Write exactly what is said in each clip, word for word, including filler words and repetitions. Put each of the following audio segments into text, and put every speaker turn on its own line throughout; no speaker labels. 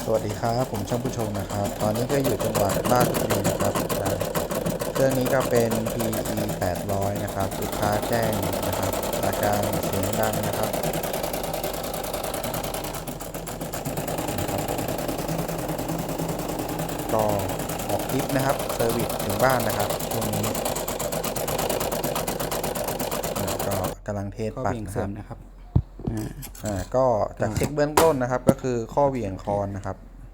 วัสดีครับผมช่างผู้ชมนะครับตอนนี้ก็อยู่จังหวัดราชบุรีนะครับเครื่องนี้ก็เป็น พี อี แปดร้อยนะครับลูกค้าแจ้งนะครับอาการเสียงดังนะครับก็ออกคลิปนะครับเซอร์วิสถึงบ้านนะครับช่วงนี้ก็กำลังเทสปัก
นะครับ
อ่าก็จากเช็คเบื้องต้นนะครับก็คือข้อเหวี่ยงคอนนะครับ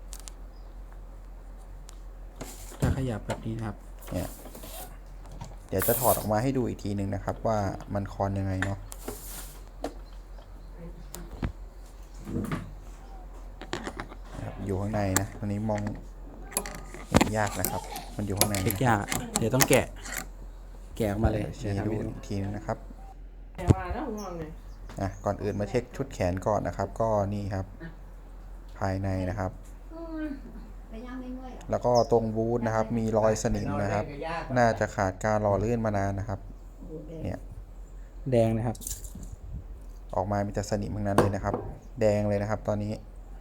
ถ้าขยับแบบนี้นะครับ
เนี่ยเดี๋ยวจะถอดออกมาให้ดูอีกทีหนึ่งนะครับว่ามันคอนยังไงเนาะอยู่ข้างในนะตอนนี้มองเห็นยากนะครับมันอยู่ข้างใน
เช็คยากเดี๋ยวต้องแกะแกะออกมาเลย
เช็คดูอีกทีนึงนะครับ
แต่ว่าแล้วงงเลย
อ่ะก่อนอื่นมาเช็คชุดแขนก่อนนะครับก็นี่ครับภายในนะครับแล้วก็ตรงบูทนะครับมีรอยสนิมนะครับน่าจะขาดการหล่อลื่นมานานนะครับเนี่ย
แดงนะครับ
ออกมามีแต่สนิมทั้งนั้นเลยนะครับแดงเลยนะครับตอนนี้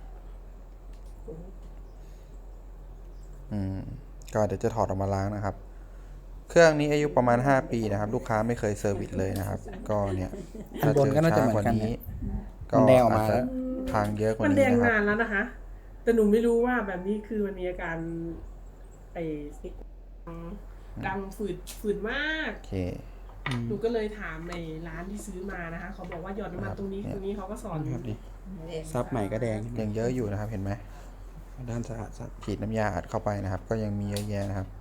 อืมก็เดี๋ยวจะถอดออกมาล้างนะครับเครื่องนี้อายุประมาณห้าปีนะครับลูกค้าไม่เคยเซอร์วิสเลยนะครับก็เนี่ย
ข้างบนก็น่าจะเหมือนกัน
ก็อาจจะทางเยอะกว่านี้นะครับ
มันแดงนานแล้วนะคะแต่หนูไม่รู้ว่าแบบนี้คือมันมีอาการไอ้ซิกดังฝืดฝืดมาก
โอเค
หนูก็เลยถามในร้านที่ซื้อมานะคะเขาบอกว่าหยอดน้ำมันตรงนี้ตรงนี้เขาก็สอน
ครับดิซับใหม่ก็แดง
ยังเยอะอยู่นะครับเห็นไหม
ด้านสะอาดซับ
ฉีดน้ำยาอัดเข้าไปนะครับก็ยังมีเยอะแยะนะครับ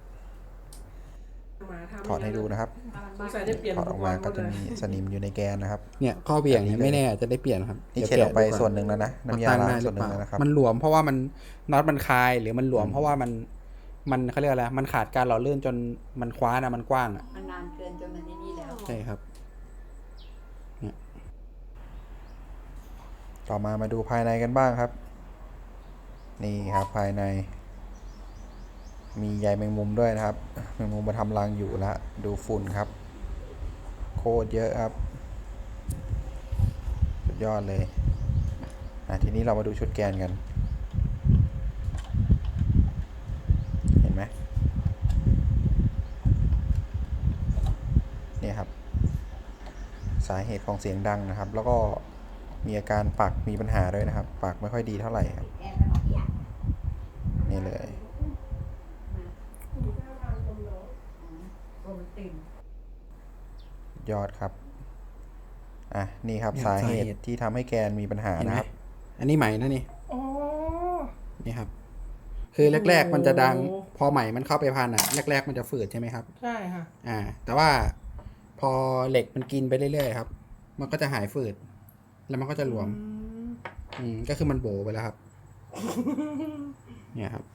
ถอดให้ดูนะครับถอดออกมาก็จะมีสนิมอยู่ในแกนนะครับ
เนี่ยข้อเบี่ยงเนี่ยไม่แน่จะได้เปลี่ยนครับ
นี่เช็ดออกไปส่วนหนึ่งแล้วนะน้ำยาล้างส่วนหนึ่งแล้วนะครับ
มันหลวมเพราะว่ามันน็อตมันคลายหรือมันหลวมเพราะว่ามันมันเขาเรียกอะไรมันขาดการหล่อลื่นจนมันคว้านะมันกว้างอ่ะ
มันนานเกินจนมันนี่แล้ว
ใช่ครับ
เนี่ยต่อมามาดูภายในกันบ้างครับนี่ครับภายในมีใยแมงมุมด้วยนะครับแมงมุมมาทำรังอยู่ละดูฝุ่นครับโคตรเยอะครับสุดยอดเลยอ่ะทีนี้เรามาดูชุดแกนกันเห็นไหมเนี่ยครับสาเหตุของเสียงดังนะครับแล้วก็มีอาการปักมีปัญหาด้วยนะครับปักไม่ค่อยดีเท่าไหร่ครับนี่เลยยอดครับอ่ะนี่ครับสาเหตุที่ทำให้แกนมีปัญหานะครับ
อันนี้ใหม่นะนี่นี่ครับคือแรกๆมันจะดังพอใหม่มันเข้าไปพันอ่ะแรกๆมันจะฝืดใช่ไหมครับ
ใช่ค่ะ
อ่าแต่ว่าพอเหล็กมันกินไปเรื่อยๆครับมันก็จะหายฝืดแล้วมันก็จะหลวมอืมก็คือมันโบไปแล้วครับเนี่ยครับ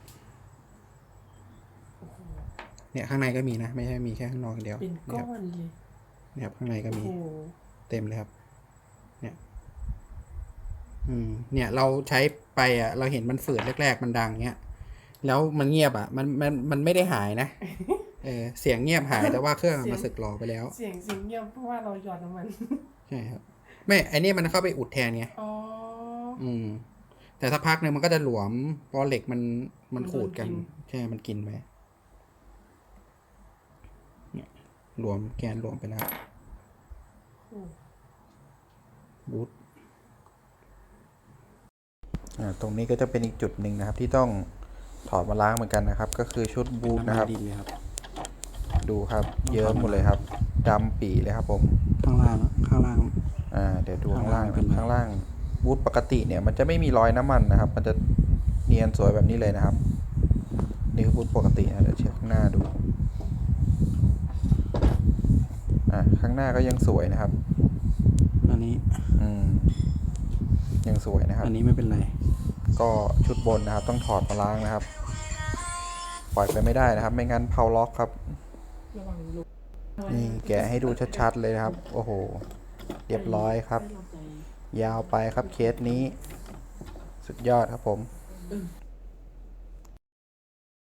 เนี่ยข้างในก็มีนะไม่ใช่มีแค่ข้างนอกเดียว
เป็นก้อนเลย
เนี่ยครับข้างในก็มีเต็มเลยครับเนี่ยอืมเนี่ยเราใช้ไปอ่ะเราเห็นมันฝืดแรกๆมันดังเนี้ยแล้วมันเงียบอ่ะมันมันมันไม่ได้หายนะเออเสียงเงียบหายแต่ว่าเครื่องมาสึกหลอไปแล้ว
เสียงเสียงเงียบเพราะว่าเราหยอดน้ำมัน
ใช่ครับไม่ไอ้นี่มันเข้าไปอุดแทนไง
อ๋อ
อืมแต่ถ้าพักหนึ่งมันก็จะหลวมเพราะเหล็กมันมันขูดกันใช่มันกินไปเนี่ยหลวมแกนหลวมไปแล้วบูท
อ่าตรงนี้ก็จะเป็นอีกจุดหนึ่งนะครับที่ต้องถอดมาล้างเหมือนกันนะครับก็คือชุดบูทนะครับดูครับเยอะหมดเลยครับดำปี่เลยครับผม
ข้างล่างข้างล่าง
อ่าเดี๋ยวดูข้างล่างข้างล่างบูทปกติเนี่ยมันจะไม่มีรอยน้ำมันนะครับมันจะเนียนสวยแบบนี้เลยนะครับนี่คือบูทปกตินะเดี๋ยวเช็คข้างหน้าดูอ่าข้างหน้าก็ยังสวยนะครับ
อันนี้
อืมยังสวยนะครับ
อันนี้ไม่เป็นไร
ก็ชุดบนนะครับต้องถอดมาล้างนะครับปล่อยไปไม่ได้นะครับไม่งั้นเพาล็อกครับนี่แกะให้ดูชัดๆเลยนะครับโอ้โหเรียบร้อยครับยาวไปครับเคสนี้สุดยอดครับผม